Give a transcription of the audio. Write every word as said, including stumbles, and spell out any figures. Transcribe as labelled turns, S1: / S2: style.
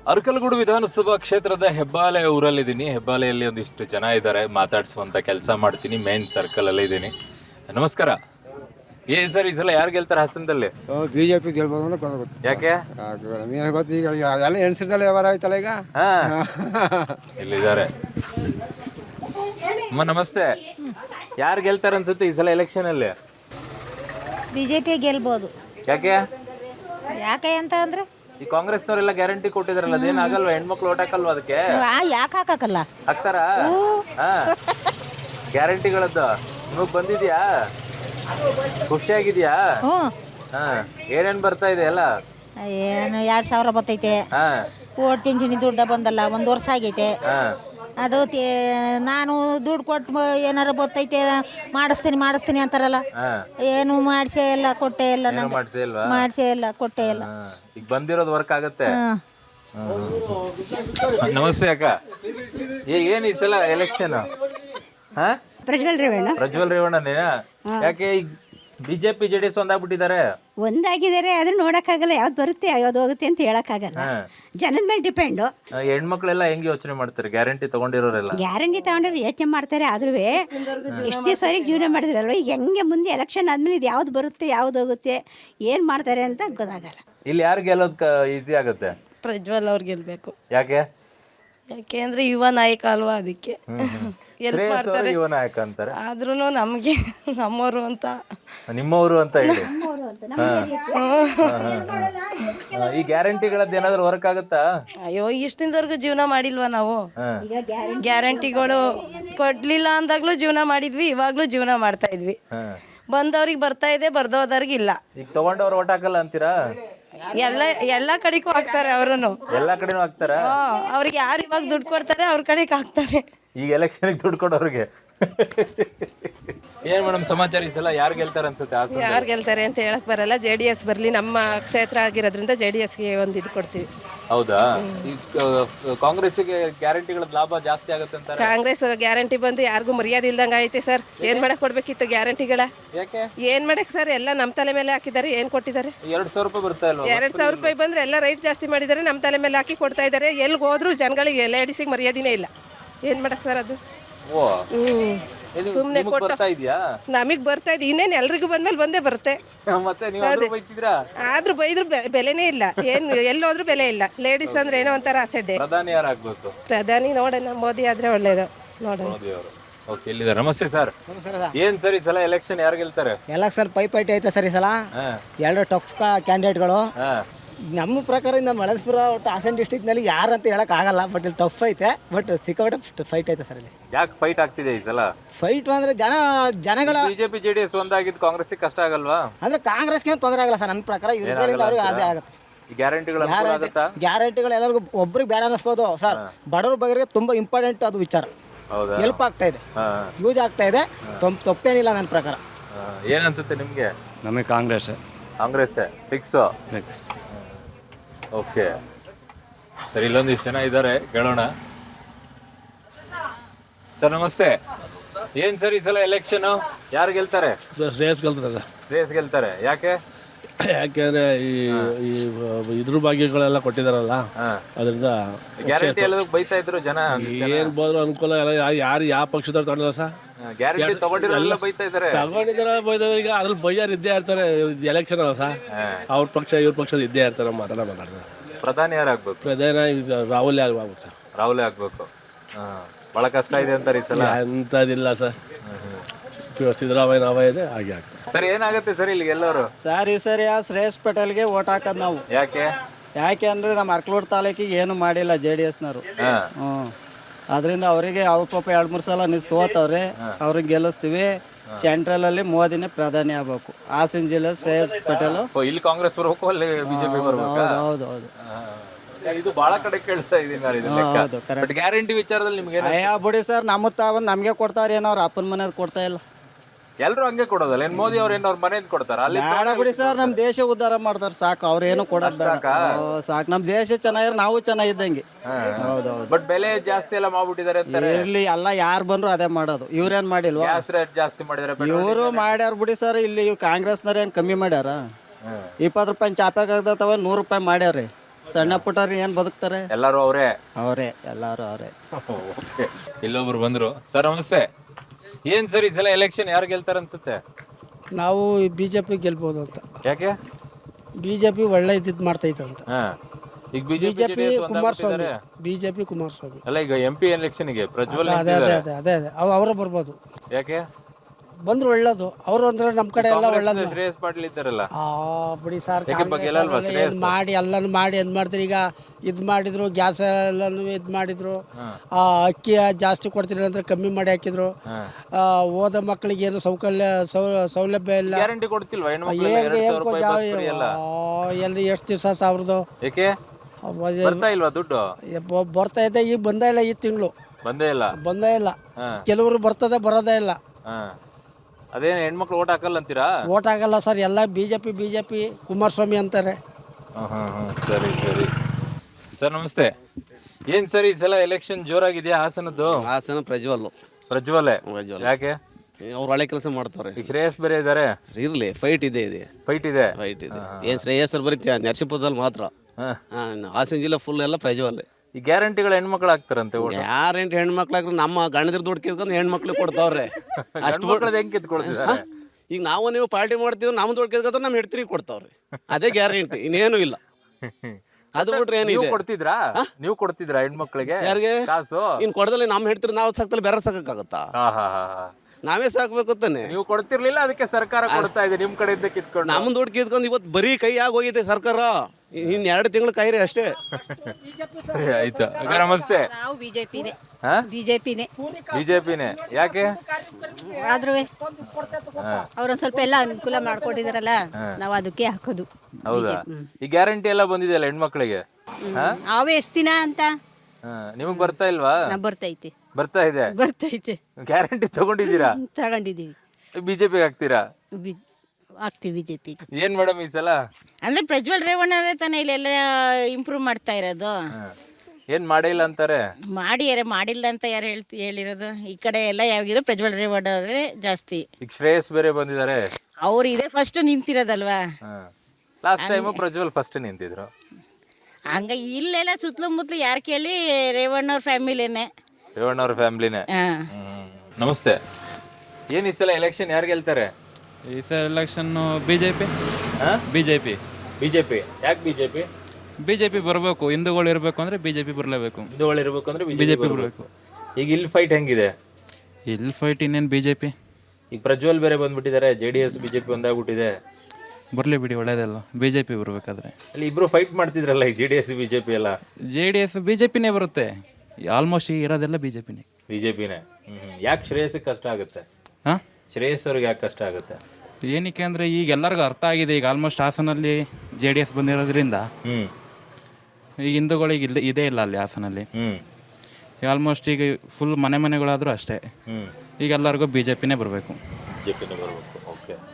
S1: ಅರಕಲಗೂಡು ವಿಧಾನಸಭಾ ಕ್ಷೇತ್ರದ ಹೆಬ್ಬಾಲೆ ಊರಲ್ಲಿದ್ದೀನಿ. ಹೆಬ್ಬಾಲೆಯಲ್ಲಿ ಒಂದಿಷ್ಟು ಜನ ಇದ್ದಾರೆ, ಮಾತಾಡಿಸುವಂತ ಕೆಲಸ ಮಾಡ್ತೀನಿ. ಮೇನ್ ಸರ್ಕಲ್ ಅಲ್ಲಿ ಇದ್ದೀನಿ. ನಮಸ್ಕಾರ. ಏ ಸರ್, ಈ ಸಲ ಯಾರು ಗೆಲ್ತಾರೆ ಹಾಸನದಲ್ಲಿ?
S2: ಬಿಜೆಪಿ ಗೆಲ್ಬೋದು ಅಂತ ಗೊತ್ತು.
S1: ಯಾಕೆ
S2: ಗೊತ್ತು, ಈಗ ಎಲ್ಲ ಎಣ್ಸಿರ್ದಲ್ಲ ವ್ಯವಹಾರ ಆಯ್ತಲ್ಲ ಈಗ.
S1: ಹಾ ಇಲ್ಲಿದ್ದಾರೆ. ಅಮ್ಮ ನಮಸ್ತೆ. ಯಾರು ಗೆಲ್ತಾರೆ ಅನ್ಸುತ್ತೆ ಈ ಸಲ ಎಲೆಕ್ಷನ್ ಅಲ್ಲಿ?
S3: ಬಿಜೆಪಿ ಗೆಲ್ಬೋದು.
S1: ಯಾಕೆ
S3: ಯಾಕೆ ಅಂತ ಅಂದ್ರೆ
S1: ಈ ಕಾಂಗ್ರೆಸ್ನವರೆಲ್ಲ ಗ್ಯಾರಂಟಿ ಕೊಟ್ಟಿದಾರಲ್ಲ, ಅದೇನ್ ಆಗಲ್ವಾ? ಹೆಣ್ಮಕ್ಳು ಓಟ್ ಹಾಕಲ್ವಾ ಅದಕ್ಕೆ?
S3: ಯಾಕೆ ಹಾಕಲ್ಲ
S1: ಹಾಕ್ತಾರಾ? ಹಾ, ಗ್ಯಾರಂಟಿಗಳದ್ದು ನಿಮಗ್ ಬಂದಿದ್ಯಾ? ಖುಷಿಯಾಗಿದ್ಯಾ?
S3: ಹ್ಞೂ.
S1: ಹಾ, ಏನೇನ್ ಬರ್ತಾ ಇದೆ ಎಲ್ಲ?
S3: ಏನು ಎರಡು ಸಾವಿರ ಬರ್ತೈತೆ.
S1: ಹಾ
S3: ಓಟ್ ಪಿಂಚಣಿ ದುಡ್ಡ ಬಂದಲ್ಲ, ಒಂದು ವರ್ಷ ಆಗೈತೆ.
S1: ಹಾ
S3: ಅದು ತೇ- ನಾನು ದುಡ್ಡು ಕೊಟ್ಟು ಏನಾರ ಬರ್ತೈತೆ ಮಾಡಿಸ್ತೀನಿ ಮಾಡಿಸ್ತೀನಿ ಅಂತಾರಲ್ಲ,
S1: ಹಾ
S3: ಏನು ಮಾಡಿಸೇ ಇಲ್ಲ, ಕೊಟ್ಟೆ ಇಲ್ಲ.
S1: ಏನೂ
S3: ನಂಗೆ
S1: ಮಾಡ್ಸೇ ಇಲ್ವಾ?
S3: ಮಾಡಿಸೇ ಇಲ್ಲ, ಕೊಟ್ಟೆ ಇಲ್ಲ.
S1: ಹಾ, ಈಗ ಬಂದಿರೋದು ವರ್ಕ್ ಆಗತ್ತೆ.
S3: ಹಾಂ.
S1: ನಮಸ್ತೆ ಅಕ್ಕ. ಏ ಏನ್ ಈ ಸಲ ಎಲೆಕ್ಷನ್? ಹಾ,
S4: ಪ್ರಜ್ವಲ್ ರೇವಣ್ಣ
S1: ಪ್ರಜ್ವಲ್ ರೇವಣ್ಣನೇ? ಯಾಕೆ ಈಗ ಬಿಜೆಪಿ ಜೆಡಿಎಸ್ ಒಂದಾಗ್ಬಿಟ್ಟಿದ್ದಾರೆ?
S4: ಒಂದಾಗಿದ್ದಾರೆ, ಆದ್ರೂ ನೋಡಕ್ಕಾಗಲ್ಲ ಯಾವ್ದು ಬರುತ್ತೆ ಯಾವ್ದು ಹೋಗುತ್ತೆ ಅಂತ ಹೇಳಕ್ಕಾಗಲ್ಲ. ಜನದ ಮೇಲೆ ಡಿಪೆಂಡು.
S1: ಹೆಣ್ಮಕ್ಳೆಲ್ಲ ಹೆಂಗ್ ಯೋಚನೆ ಮಾಡ್ತಾರೆ ಗ್ಯಾರಂಟಿ ತಗೊಂಡಿರೋರೆಲ್ಲ?
S4: ಗ್ಯಾರಂಟಿ ತಗೊಂಡ್ರೆ ಯೋಚನೆ ಮಾಡ್ತಾರೆ, ಆದ್ರೂ ಎಷ್ಟೇ ಸರಿಗೆ ಜೀವನ ಮಾಡಿದ್ರಲ್ವ, ಈಗ ಹೆಂಗೆ ಮುಂದೆ ಎಲೆಕ್ಷನ್ ಆದ್ಮೇಲೆ ಇದು ಯಾವ್ದು ಬರುತ್ತೆ ಯಾವ್ದು ಹೋಗುತ್ತೆ ಏನು ಮಾಡ್ತಾರೆ ಅಂತ ಗೊತ್ತಾಗಲ್ಲ.
S1: ಇಲ್ಲಿ ಯಾರು ಗೆಲ್ಲೋದ್ ಈಸಿ ಆಗುತ್ತೆ?
S5: ಪ್ರಜ್ವಲ್ ಅವ್ರು ಗೆಲ್ಬೇಕು.
S1: ಯಾಕೆ?
S5: ಯಾಕೆ ಅಂದ್ರೆ ಯುವ ನಾಯಕ ಅಲ್ವಾ, ಅದಕ್ಕೆ ಎಲ್ಪ್ ಮಾಡ್ತಾರೆ.
S1: ಯುವ ನಾಯಕ ಅಂತಾರೆ,
S5: ಆದ್ರೂ ನಮಗೆ ನಮ್ಮವರು ಅಂತ.
S1: ನಿಮ್ಮವರು ಅಂತ ಹೇಳಿ. ಈ ಗ್ಯಾರಂಟಿಗಳದ್ದು ಏನಾದ್ರು ವರ್ಕ್ ಆಗುತ್ತಾ?
S5: ಅಯ್ಯೋ, ಇಷ್ಟಿನವರೆಗೂ ಜೀವನ ಮಾಡಿಲ್ವಾ ನಾವು? ಗ್ಯಾರಂಟಿಗಳು ಕೊಡ್ಲಿಲ್ಲ ಅಂದಾಗ್ಲೂ ಜೀವನ ಮಾಡಿದ್ವಿ, ಇವಾಗ್ಲೂ ಜೀವನ ಮಾಡ್ತಾ ಇದ್ವಿ. ಬಂದವ್ರಿಗೆ ಬರ್ತಾ ಇದೆ, ಬರ್ದೋದವ್ರಿಗೆ ಇಲ್ಲ.
S1: ಈಗ ತಗೊಂಡವ್ರು ಓಟ್ ಹಾಕಲ್ಲ ಅಂತೀರಾ?
S5: ಎಲ್ಲ ಎಲ್ಲಾ ಕಡೆಗೂ ಹಾಕ್ತಾರೆ ಅವ್ರನ್ನು.
S1: ಎಲ್ಲಾ ಕಡೆನೂ ಹಾಕ್ತಾರ?
S5: ಅವ್ರಿಗೆ ಯಾರು ಇವಾಗ ದುಡ್ಡು ಕೊಡ್ತಾರೆ ಅವ್ರ ಕಡೆಗೆ ಹಾಕ್ತಾರೆ.
S1: ಈಗ ಎಲೆಕ್ಷನ್ ದುಡ್ಡು ಕೊಡೋರಿಗೆ. ಏನ್ ಮೇಡಮ್ ಸಮಾಚಾರ? ಈ ಸಲ ಯಾರು ಗೆಲ್ತಾರೆ ಅನ್ಸುತ್ತೆ ಹಾಸನ?
S6: ಯಾರು ಗೆಲ್ತಾರೆ ಅಂತ ಹೇಳಕ್ ಬರಲ್ಲ. ಜೆ ಡಿ ಎಸ್ ಬರಲಿ, ನಮ್ಮ ಕ್ಷೇತ್ರ ಆಗಿರೋದ್ರಿಂದ ಜೆ ಡಿ ಎಸ್ಗೆ ಒಂದು ಇದು ಕೊಡ್ತೀವಿ.
S1: ಹೌದಾ? ಕಾಂಗ್ರೆಸ್ಗೆ ಗ್ಯಾರಂಟಿಗಳ ಲಾಭ ಜಾಸ್ತಿ ಆಗುತ್ತೆ ಅಂತ.
S6: ಕಾಂಗ್ರೆಸ್ ಗ್ಯಾರಂಟಿ ಬಂದು ಯಾರಿಗೂ ಮರ್ಯಾದೆ ಇಲ್ದಂಗೆ ಐತೆ ಸರ್. ಏನ್ ಮಾಡಕ್ ಕೊಡ್ಬೇಕಿತ್ತು ಗ್ಯಾರಂಟಿಗಳ?
S1: ಯಾಕೆ?
S6: ಏನ್ ಮಾಡಕ್ ಸರ್, ಎಲ್ಲ ನಮ್ಮ ತಲೆ ಮೇಲೆ ಹಾಕಿದ್ದಾರೆ. ಏನ್ ಕೊಟ್ಟಿದ್ದಾರೆ?
S1: ಎರಡ್ ಸಾವಿರ ರೂಪಾಯಿ ಬರ್ತಾ ಇಲ್ವಾ?
S6: ಎರಡ್ ಸಾವಿರ ರೂಪಾಯಿ ಬಂದ್ರೆ ಎಲ್ಲ ರೈಟ್ ಜಾಸ್ತಿ ಮಾಡಿದ್ದಾರೆ, ನಮ್ಮ ತಲೆ ಮೇಲೆ ಹಾಕಿ ಕೊಡ್ತಾ ಇದ್ದಾರೆ. ಎಲ್ಲಿ ಹೋದ್ರು ಜನಗಳಿಗೆ ಲೇಡೀಸಿಗೆ ಮರ್ಯಾದಿನೇ ಇಲ್ಲ. ಏನ್ ಮಾಡಕ್ ಸರ್ ಅದು?
S1: ಓ,
S6: ಹ್ಮ್ ಸುಮ್ನೆ ಕೊಟ್ಟು
S1: ಬರ್ತಾ ಇದೆಯಾ?
S6: ನಮಗ್ ಬರ್ತಾ ಇದೆ, ಇನ್ನೇನು ಎಲ್ರಿಗೂ ಬಂದ್ಮೇಲೆ ಬಂದೇ ಬರುತ್ತೆ.
S1: ಮತ್ತೆ ನೀವು ಅದ್ರ ಬೈತಿದ್ರಾ?
S6: ಆದ್ರೂ ಬೈದ್ರು ಬೆ- ಬೆಲೆನೇ ಇಲ್ಲ. ಏನ್ ಎಲ್ಲೋದ್ರೂ ಬೆಲೆ ಇಲ್ಲ. ಲೇಡೀಸ್ ಅಂದ್ರೆ ಏನೋ ಒಂಥರ ಅಸಡ್ಡೆ.
S1: ಪ್ರಧಾನಿ ಯಾರಾಗ್ಬೇಕು?
S6: ಪ್ರಧಾನಿ ನೋಡೋಣ, ಮೋದಿ ಆದ್ರೆ ಒಳ್ಳೇದು. ನೋಡೋಣ.
S1: ಮೋದಿ ಅವರು. ಓಕೆ, ಇಲ್ಲಿದ್ದಾರೆ. ನಮಸ್ತೆ ಸರ್. ಏನ್ ಸರ್ ಈ ಸಲ ಎಲೆಕ್ಷನ್ ಯಾರು ಗೆಲ್ತಾರೆ?
S2: ಎಲ್ಲ ಸರ್ ಪೈಪೈಟಿ ಐತೆ ಸರ್ ಈ ಸಲ.
S1: ಹಾ
S2: ಎರಡು ಟಫ್ ಕ್ಯಾಂಡಿಡೇಟ್ಗಳು.
S1: ಹಾ
S2: ನಮ್ಮ ಪ್ರಕಾರ ಇಂದ ಮಳೇಶ್ಪುರ ಒಟ್ಟು ಹಾಸನ ಡಿಸ್ಟಿಕ್ನಲ್ಲಿ ಯಾರು ಅಂತ ಹೇಳಕ್ ಆಗಲ್ಲ, ಬಟ್ ಇಲ್ಲಿ ಟಫ್ ಐತೆ. ಬಟ್ ಸಿಕ್ಕಾಪಟ್ಟೆ ಫೈಟ್ ಐತೆ ಸರ್ ಇಲ್ಲಿ.
S1: ಯಾಕೆ ಫೈಟ್ ಆಗ್ತಿದೆ ಈ ಸಲ?
S2: ಫೈಟ್ ಅಂದ್ರೆ ಜನ ಜನಗಳ
S1: ಬಿಜೆಪಿ ಜೆಡಿಎಸ್ ಒಂದಾಗಿದ್ದು ಕಾಂಗ್ರೆಸ್ ಕಷ್ಟ ಆಗಲ್ವಾ?
S2: ಅಂದ್ರೆ ಕಾಂಗ್ರೆಸ್ಗೆ ತೊಂದರೆ ಆಗಲ್ಲ ಸರ್ ನನ್ನ ಪ್ರಕಾರ. ಇವ್ರುಗಳಿಂದ ಅವ್ರಿಗೆ ಅದೇ ಆಗುತ್ತೆ.
S1: ಈ ಗ್ಯಾರಂಟಿಗಳು ಅನುಕೂಲ ಆಗುತ್ತಾ?
S2: ಗ್ಯಾರಂಟಿಗಳು ಎಲ್ಲರಿಗೂ ಒಬ್ರಿಗೆ ಬೇಡ ಅನ್ನಿಸ್ಬೋದು ಸರ್. ಬಡವ್ರ ಬಗ್ಗೆ ತುಂಬಾ ಇಂಪಾರ್ಟೆಂಟ್ ಅದು ವಿಚಾರ.
S1: ಹೌದಾ?
S2: ಹೆಲ್ಪ್ ಆಗ್ತಾ ಇದೆ,
S1: ಹಾ
S2: ಯೂಸ್ ಆಗ್ತಾ ಇದೆ. ತಪ್ಪೇನಿಲ್ಲ ನನ್ನ ಪ್ರಕಾರ.
S1: ಹಾ. ಏನ್ ಅನ್ಸುತ್ತೆ ನಿಮ್ಗೆ?
S7: ನಮಗೆ ಕಾಂಗ್ರೆಸ್
S1: ಕಾಂಗ್ರೆಸ್ ಫಿಕ್ಸ್. ಓಕೆ ಸರಿ, ಇಲ್ಲೊಂದಿಷ್ಟು ಜನ ಇದ್ದಾರೆ, ಕೇಳೋಣ. ಸರ್ ನಮಸ್ತೆ. ಏನ್ ಸರ್ ಈ ಸಲ ಎಲೆಕ್ಷನ್ ಯಾರು ಗೆಲ್ತಾರೆ?
S8: ಶ್ರೇಯಸ್ ಗೆಲ್ತದಲ್ಲ.
S1: ರೇಸ್ ಗೆಲ್ತಾರೆ. ಯಾಕೆ?
S8: ಯಾಕೆಂದ್ರೆ ಈ ಈ ಇದ್ರ ಭಾಗ್ಯಗಳೆಲ್ಲ ಕೊಟ್ಟಿದಾರಲ್ಲ, ಅದರಿಂದ
S1: ಗ್ಯಾರಂಟಿ ಎಲ್ಲ ಬೈತಾ ಇದ್ರು ಜನ.
S8: ಏನ್ ಬೋದ್ರು ಅನುಕೂಲ ಎಲ್ಲ. ಯಾರು ಯಾವ ಪಕ್ಷದವ್ರು ತಗೊಂಡಿಲ್ಲ ಸರ್.
S1: ಗ್ಯಾರಂಟಿ ತಗೊಂಡಿರೋಲ್ಲ ಬೈತಾ ಇದಾರೆ.
S8: ತಗೊಂಡಿದಾರ ಬೈದಾರ. ಈಗ ಅದ್ರಲ್ಲಿ ಬೈಯಾರು ಇದ್ದೇ ಇರ್ತಾರೆ. ಎಲೆಕ್ಷನ್ ಅಲ್ಲ ಸರ್, ಅವ್ರ ಪಕ್ಷ ಇವ್ರ ಪಕ್ಷದ ಇದ್ದೇ ಇರ್ತಾರೆ. ಮಾತಾಡ ಮಾತಾಡ್ತಾರೆ.
S1: ಪ್ರಧಾನಿ ಯಾರಾಗ್ಬೇಕು?
S8: ಪ್ರಧಾನ ರಾಹುಲ್ ಆಗ್ಬೇಕು ಸರ್.
S1: ರಾಹುಲ್ ಆಗ್ಬೇಕು. ಹಾ, ಬಹಳ ಕಷ್ಟ ಇದೆ ಅಂತಾರೆ ಈ ಸಲ.
S8: ಅಂತದಿಲ್ಲ ಸರ್, ಸಿದ್ದರಾಮಯ್ಯ ನಾವ ಇದೆ ಹಾಗೆ ಆಗ್ತದೆ.
S1: ಸರ್ ಏನಾಗುತ್ತೆ ಸರ್ ಇಲ್ಲಿ ಎಲ್ಲರೂ?
S9: ಸರ್ ಈ ಸರಿ ಆ ಶ್ರೇಯಸ್ ಪಟೇಲ್ಗೆ ಓಟ್ ಹಾಕೋದು ನಾವು.
S1: ಯಾಕೆ?
S9: ಯಾಕೆ ಅಂದರೆ ನಮ್ಮ ಅರ್ಕಲೂರು ತಾಲೂಕಿಗೆ ಏನು ಮಾಡಿಲ್ಲ ಜೆ ಡಿ ಎಸ್ನವರು.
S1: ಹಾ
S9: ಹ್ಞೂ ಅದರಿಂದ ಅವರಿಗೆ ಅವ್ರ ಪಾಪ ಎರಡು ಮೂರು ಸಲ ನೀವು ಸೋತವ್ರೆ, ಅವ್ರಿಗೆ ಗೆಲ್ಲಿಸ್ತೀವಿ. ಸೆಂಟ್ರಲಲ್ಲಿ ಮೋದಿನೇ ಪ್ರಧಾನಿ ಆಗ್ಬೇಕು. ಹಾಸನ ಜಿಲ್ಲೆ ಶ್ರೇಯಸ್ ಪಟೇಲ್.
S1: ಓ, ಇಲ್ಲಿ ಕಾಂಗ್ರೆಸ್ ಬರ್ಬೇಕು, ಅಲ್ಲಿ ಬಿಜೆಪಿ ಬರ್ಬೇಕು.
S9: ಹೌದು ಹೌದು
S1: ಇದು ಬಹಳ ಕಡೆ ಕೇಳ್ತಾ ಇದೀನಿ. ಬಟ್ ಗ್ಯಾರಂಟಿ ವಿಚಾರದಲ್ಲಿ ನಿಮ್ಗೆ
S9: ಅಯ್ಯ ಬಿಡಿ ಸರ್, ನಮ್ಮ ತಾವಂದು ನಮಗೆ ಕೊಡ್ತಾರೆ ಏನೋ, ಅವ್ರ ಅಪ್ಪನ ಮನೇದು ಕೊಡ್ತಾ ಇಲ್ಲ.
S1: ಎಲ್ರು ಹಂಗೆ ಕೊಡೋದಲ್ಲ? ಏನ್ ಮೋದಿ ಅವ್ರ ಏನ್ ಅವ್ರ ಮನೆಯಿಂದ ಕೊಡ್ತಾರ? ಅಲ್ಲಿ
S9: ಬೇಡ ಬಿಡಿ ಸರ್, ನಮ್ಮ ದೇಶ ಉದ್ಧಾರ ಮಾಡ್ತಾರೆ ಸಾಕು. ಅವ್ರು ಏನು ಕೊಡೋದು ಬೇಡ ಸಾಕು. ನಮ್ಮ ದೇಶ ಚೆನ್ನಾಗಿರೋ ನಾವು ಚೆನ್ನಾಗಿದ್ದಂಗೆ. ಹೌದೌದು.
S1: ಬಟ್ ಬೆಲೆ ಜಾಸ್ತಿ ಎಲ್ಲ ಮಾಡ್ಬಿಟ್ಟಿದ್ದಾರೆ ಅಂತಾರೆ.
S9: ಇರ್ಲಿ, ಎಲ್ಲ ಯಾರು ಬಂದ್ರು ಅದೇ ಮಾಡೋದು. ಇವ್ರೇನ್ ಮಾಡಿಲ್ವಾ?
S1: ಗ್ಯಾಸ್ ರೇಟ್ ಜಾಸ್ತಿ ಮಾಡಿದಾರೆ.
S9: ಇವರು ಮಾಡ್ಯಾರ ಬಿಡಿ ಸರ್. ಇಲ್ಲಿ ಇವ್ ಕಾಂಗ್ರೆಸ್ನವ್ರು ಏನ್ ಕಮ್ಮಿ ಮಾಡ್ಯಾರ? ಇಪ್ಪತ್ತು ರೂಪಾಯಿ ಚಾಪ್ಯಾಗ ಆಗ್ದವ ನೂರು ರೂಪಾಯಿ ಮಾಡ್ಯಾರ್ರಿ. ಸಣ್ಣ ಪುಟ್ಟವ್ರು ಏನು ಬದುಕ್ತಾರೆ?
S1: ಎಲ್ಲರೂ ಅವರೇ.
S9: ಅವರೇ ಎಲ್ಲರೂ ಅವರೇ.
S1: ಓಕೆ, ಇಲ್ಲೊಬ್ರು ಬಂದ್ರು. ಸರ್ ನಮಸ್ತೆ. ಏನ್ ಸರ್ ಈ ಸಲ ಎಲೆಕ್ಷನ್ ಯಾರು ಗೆಲ್ತಾರ ಅನ್ಸುತ್ತೆ?
S7: ನಾವು ಬಿ ಜೆ ಪಿ ಗೆಲ್ಬೋದು ಅಂತ.
S1: ಯಾಕೆ?
S7: ಬಿ ಜೆ ಪಿ ಒಳ್ಳೆ ಇದ್ದಿದ್ದು ಮಾಡ್ತೈತೆ ಅಂತ.
S1: ಹಾ, ಈಗ
S7: ಬಿಜೆಪಿ ಕುಮಾರಸ್ವಾಮಿ ಬಿಜೆಪಿ ಕುಮಾರಸ್ವಾಮಿ
S1: ಅಲ್ಲ, ಈಗ ಎಂ ಪಿ ಎಲೆಕ್ಷನ್ಗೆ ಪ್ರಜ್ವಲ್
S7: ಅದೇ ಅದೇ ಅದೇ ಅದೇ ಅದೇ ಅವ್ ಅವರೇ ಬರ್ಬೋದು.
S1: ಯಾಕೆ
S7: ಬಂದ್ರು ಒಳ್ಳೇದು. ಅವರು ಅಂದ್ರೆ ನಮ್ಮ ಕಡೆ ಎಲ್ಲ ಒಳ್ಳೇದು.
S1: ಶ್ರೇಯಸ್ ಪಾಟೀಲ್ ಇದ್ದಾರಲ್ಲ.
S7: ಆ ಬಿಡಿ ಸರ್,
S1: ಯಾಕೆ ಬಗ್ಗೆ ಗೆಲ್ಲಲ್ವಾ ಶ್ರೇಯಸ್?
S7: ಮಾಡಿ ಎಲ್ಲಾನು ಮಾಡಿ ಏನ್ ಮಾಡ್ತಾರೆ. ಈಗ ಇದ್ ಮಾಡಿದ್ರು, ಗ್ಯಾಸ್ ಎಲ್ಲಾನು ಇದ್ ಮಾಡಿದ್ರು. ಆ ಅಕ್ಕಿ ಜಾಸ್ತಿ ಕೊಡ್ತೀರಿ ಅಂದ್ರೆ ಕಮ್ಮಿ ಮಾಡಿ ಹಾಕಿದ್ರು. ಆ ಓದ ಮಕ್ಕಳಿಗೆ ಏನು ಸೌಕರ್ಯ ಸೌ- ಸೌಲಭ್ಯ ಇಲ್ಲ.
S1: ಗ್ಯಾರಂಟಿ ಕೊಡ್ತಿಲ್ವಾ ಹೆಣ್ಮಕ್ಳು?
S7: ಏನ್
S1: ಎರಡ್ ಸಾವಿರ
S7: ಏನ್
S1: ರೂಪಾಯಿ
S7: ಜಾ-
S1: ಬಸ್ ಫ್ರೀ ಎಲ್ಲ.
S7: ಆ, ಎಲ್ಲಿ ಎಷ್ಟು ದಿವಸ ಸಾವಿರದು
S1: ಯಾಕೆ ಬರ್ತಾ ಇಲ್ವಾ ದುಡ್ಡು?
S7: ಬ- ಬರ್ತಾ ಇದೆ. ಈಗ ಬಂದೇ ಇಲ್ಲ. ಈ ತಿಂಗಳು
S1: ಬಂದೇ ಇಲ್ಲ.
S7: ಬಂದೇ ಇಲ್ಲ.
S1: ಹಾ.
S7: ಕೆಲವರು ಬರ್ತದೆ, ಬರೋದೇ ಇಲ್ಲ.
S1: ಹಾ, ಅದೇನು ಹೆಣ್ಮಕ್ಳು ಓಟ್ ಹಾಕಲ್ಲ ಅಂತೀರಾ?
S7: ಓಟ್ ಆಗಲ್ಲ ಸರ್. ಎಲ್ಲ ಬಿಜೆಪಿ ಬಿಜೆಪಿ ಕುಮಾರಸ್ವಾಮಿ ಅಂತಾರೆ.
S1: ಹಾ, ಹಾ, ಹಾ. ಸರಿ ಸರಿ ಸರ್ ನಮಸ್ತೆ. ಏನ್ ಸರ್ ಈ ಸಲ ಎಲೆಕ್ಷನ್ ಜೋರಾಗಿದೆಯಾ ಹಾಸನದ್ದು?
S10: ಹಾಸನ ಪ್ರಜ್ವಲ್
S1: ಪ್ರಜ್ವಲೆ.
S10: ಪ್ರಜ್ವಲ್
S1: ಯಾಕೆ?
S10: ಅವ್ರು ಒಳ್ಳೆ ಕೆಲಸ ಮಾಡ್ತಾರೆ.
S1: ಈಗ ಶ್ರೇಯಸ್ ಬೇರೆ ಇದಾರೆ.
S10: ಇರ್ಲಿ, ಫೈಟ್ ಇದೆ ಇದೆ
S1: ಫೈಟ್ ಇದೆ.
S10: ಫೈಟ್ ಇದೆ. ಏನ್ ಶ್ರೇಯಸ್ಸರ್ ಬರೀ ನರಸೀಪುರದಲ್ಲಿ ಮಾತ್ರ.
S1: ಹಾ.
S10: ಹಾ, ಹಾಸನ ಜಿಲ್ಲೆ ಫುಲ್ ಎಲ್ಲ ಪ್ರಜ್ವಲ್.
S1: ಈ ಗ್ಯಾರಂಟಿಗಳು ಹೆಣ್ಮಕ್ಳು ಹಾಕ್ತಾರಂತೆ ಓಟ್.
S10: ಯಾರೆಂಟು ಹೆಣ್ಮಕ್ಳು ನಮ್ಮ ಗಂಡದ್ರ ದುಡ್ಡು ಕಿತ್ಕೊಂಡು ಹೆಣ್ಮಕ್ಳು ಕೊಡ್ತಾವ್ರೆ. ಅಷ್ಟು
S1: ಮಕ್ಳದ್ ಹೆಂಗ್ ಕಿತ್ಕೊಳ್ತಿದ್ದಾರೆ?
S10: ಈಗ ನಾವು ನೀವು ಪಾರ್ಟಿ ಮಾಡ್ತೀವಿ, ನಮ್ಮ ದುಡ್ಡು ಕಿತ್ಕೊಂಡ್ರೆ ನಮ್ಮ ಹೆಣ್ತಿರಿಗೆ ಕೊಡ್ತಾವ್ರೆ. ಅದೇ ಗ್ಯಾರಂಟಿ, ಇನ್ನೇನು ಇಲ್ಲ. ಅದು ಬಿಟ್ರೆ
S1: ನೀವು
S10: ಏನಿದೆ?
S1: ಕೊಡ್ತಿದ್ರಾ? ನೀವು ಕೊಡ್ತಿದ್ರಾ ಹೆಣ್ಮಕ್ಳಿಗೆ
S10: ಯಾರಿಗೆ
S1: ಕಾಸು?
S10: ಇನ್ ಕೊಡದಲ್ಲಿ ನಮ್ಮ ಹೆಣ್ತಿರು ನಾವು ಸಾಕ್ತಲ್ಲಿ ಬೇರೆ ಸಾಕಾಗತ್ತಾ?
S1: ಹಾ ಹಾ ಹಾ ಹಾ.
S10: ನಾವೇ ಸಾಕ್ಬೇಕು ತಾನೆ.
S1: ನೀವು ಕೊಡ್ತಿರ್ಲಿಲ್ಲ, ಅದಕ್ಕೆ ಸರ್ಕಾರ ಕೊಡ್ತಾ ಇದೆ ನಿಮ್ ಕಡೆಯಿಂದ ಕಿತ್ಕೊಂಡು.
S10: ನಮ್ಮ ದುಡ್ಡು ಕಿತ್ಕೊಂಡು ಇವತ್ತು ಬರೀ ಕೈ ಆಗಿ ಹೋಗಿದೆ ಸರ್ಕಾರ. ಇನ್ ಎರಡು ತಿಂಗಳು ಕೈ ರೀ ಅಷ್ಟೇ.
S1: ಸರಿ ಆಯ್ತು. ಅಕ್ಕ ನಮಸ್ತೆ.
S11: ನಾವು ಬಿಜೆಪಿನೇ
S1: ಹಾ,
S11: ಬಿಜೆಪಿನೇ
S1: ಬಿಜೆಪಿನೇ. ಯಾಕೆ?
S11: ಆದ್ರೂ ಅವ್ರೊಂದ್ ಸ್ವಲ್ಪ ಎಲ್ಲ ಅನುಕೂಲ ಮಾಡ್ಕೊಟ್ಟಿದಾರಲ್ಲ, ನಾವು ಅದಕ್ಕೆ ಹಾಕೋದು.
S1: ಹೌದಾ? ಈ ಗ್ಯಾರಂಟಿ ಎಲ್ಲ ಬಂದಿದೆಯಲ್ಲ ಹೆಣ್ಮಕ್ಳಿಗೆ. ಹಾ,
S11: ಅವೇ ಎಷ್ಟ್ ದಿನ ಅಂತ
S1: ಹಾ, ನಿಮಗ್ ಬರ್ತಾ ಇಲ್ವಾ?
S11: ನಾವು ಬರ್ತೈತೆ
S1: ಬರ್ತಾ ಇದೆ.
S11: ಬರ್ತೈತೆ
S1: ಗ್ಯಾರಂಟಿ ತಗೊಂಡಿದ್ದೀರಾ?
S11: ತಗೊಂಡಿದೀವಿ.
S1: ಬಿಜೆಪಿಗೆ ಹಾಕ್ತೀರಾ?
S11: ಬಿ- ಹಾಕ್ತೀವಿ ಬಿಜೆಪಿ.
S1: ಏನ್ ಮೇಡಮ್ ಈ ಸಲ?
S3: ಅಂದ್ರೆ ಪ್ರಜ್ವಲ್ ರೇವಣ್ಣರೇ ತಾನೇ ಇಲ್ಲೆಲ್ಲ ಇಂಪ್ರೂವ್ ಮಾಡ್ತಾ ಇರೋದು.
S1: ಹಾ. ಏನ್ ಮಾಡೇ ಇಲ್ಲ ಅಂತಾರೆ.
S3: ಮಾಡಿ ಯಾರೇ ಮಾಡಿಲ್ಲ ಅಂತ ಯಾರು ಹೇಳ್ತಿ ಹೇಳಿರೋದು? ಈ ಕಡೆ ಎಲ್ಲ ಯಾವಾಗಿರೋ ಪ್ರಜ್ವಲ್ ರೇವಣ್ಣರೇ ಜಾಸ್ತಿ.
S1: ಈಗ ಶ್ರೇಯಸ್ ಬೇರೆ ಬಂದಿದ್ದಾರೆ.
S3: ಅವ್ರು ಇದೇ ಫಸ್ಟ್ ನಿಂತಿರೋದಲ್ವಾ?
S1: ಲಾಸ್ಟ್ ಟೈಮ್ ಪ್ರಜ್ವಲ್ ಫಸ್ಟ್ ನಿಂತಿದ್ರು.
S3: ಹಂಗ ಇಲ್ಲೆಲ್ಲ ಸುತ್ತಲೂ ಮುತ್ತಲು ಯಾರು ಕೇಳಿ ರೇವಣ್ಣವ್ರ ಫ್ಯಾಮಿಲಿನೇ.
S1: ರೇವಣ್ಣವ್ರ ಫ್ಯಾಮಿಲಿನೇ.
S3: ಹಾಂ.
S1: ನಮಸ್ತೆ. ಏನ್ ಈ ಸಲ ಎಲೆಕ್ಷನ್ ಯಾರು ಗೆಲ್ತಾರೆ?
S12: ಈ ಸಲ ಎಲೆಕ್ಷನ್ ಬಿಜೆಪಿ. BJP
S1: BJP. ಯಾಕೆ ಬಿಜೆಪಿ?
S12: ಬಿಜೆಪಿ ಬರಬೇಕು. ಹಿಂದೂಗಳು ಇರಬೇಕು ಅಂದ್ರೆ ಬಿಜೆಪಿ ಬರಲೇಬೇಕು.
S1: ಹಿಂದೂಗಳು ಇರಬೇಕು ಅಂದ್ರೆ
S12: ಬಿಜೆಪಿ ಬರಬೇಕು.
S1: ಈಗ ಇಲ್ಲಿ ಫೈಟ್ ಹೆಂಗಿದೆ?
S12: ಇಲ್ಲಿ ಫೈಟ್ ಇನ್ನೇನು ಬಿಜೆಪಿ.
S1: ಈಗ ಪ್ರಜ್ವಲ್ ಬೇರೆ ಬಂದ್ಬಿಟ್ಟಿದ್ದಾರೆ. ಜೆ ಡಿ ಎಸ್ ಬಿಜೆಪಿ ಒಂದಾಗ್ಬಿಟ್ಟಿದೆ.
S12: ಬರಲಿ ಬಿಡಿ, ಒಳ್ಳೇದಲ್ಲ. ಬಿಜೆಪಿ ಬರಬೇಕಾದ್ರೆ
S1: ಅಲ್ಲಿ ಇಬ್ರು ಫೈಟ್ ಮಾಡ್ತಿದ್ರಲ್ಲ, ಈಗ ಜೆ ಡಿ ಎಸ್ ಬಿಜೆಪಿ ಎಲ್ಲ.
S12: ಜೆ ಡಿ ಎಸ್ ಬಿಜೆಪಿನೇ ಬರುತ್ತೆ. ಆಲ್ಮೋಸ್ಟ್ ಇರೋದೆಲ್ಲ ಬಿಜೆಪಿನೇ.
S1: ಬಿಜೆಪಿನೇ. ಹ್ಮ್. ಯಾಕೆ ಶ್ರೇಯಸ್ಗೆ ಕಷ್ಟ ಆಗುತ್ತೆ?
S12: ಹಾಂ,
S1: ಶ್ರೇಯಸ್ ಅವ್ರಿಗೆ ಯಾಕೆ ಕಷ್ಟ ಆಗುತ್ತೆ?
S12: ಏನಕ್ಕೆ ಅಂದರೆ ಈಗ ಎಲ್ಲರಿಗೂ ಅರ್ಥ ಆಗಿದೆ. ಈಗ ಆಲ್ಮೋಸ್ಟ್ ಹಾಸನಲ್ಲಿ ಜೆ ಡಿ ಎಸ್ ಬಂದಿರೋದ್ರಿಂದ
S1: ಹ್ಮ್
S12: ಈಗ ಹಿಂದೂಗಳಿಗೆ ಇಲ್ಲ ಇದೇ ಇಲ್ಲ ಅಲ್ಲಿ ಹಾಸನಲ್ಲಿ.
S1: ಹ್ಮ್
S12: ಆಲ್ಮೋಸ್ಟ್ ಈಗ ಫುಲ್ ಮನೆ ಮನೆಗಳಾದರೂ ಅಷ್ಟೇ.
S1: ಹ್ಮ್
S12: ಈಗ ಎಲ್ಲರಿಗೂ ಬಿ ಜೆ ಪಿನೇ ಬರಬೇಕು.
S1: ಬಿಜೆಪಿನೇ ಬರಬೇಕು. ಓಕೆ.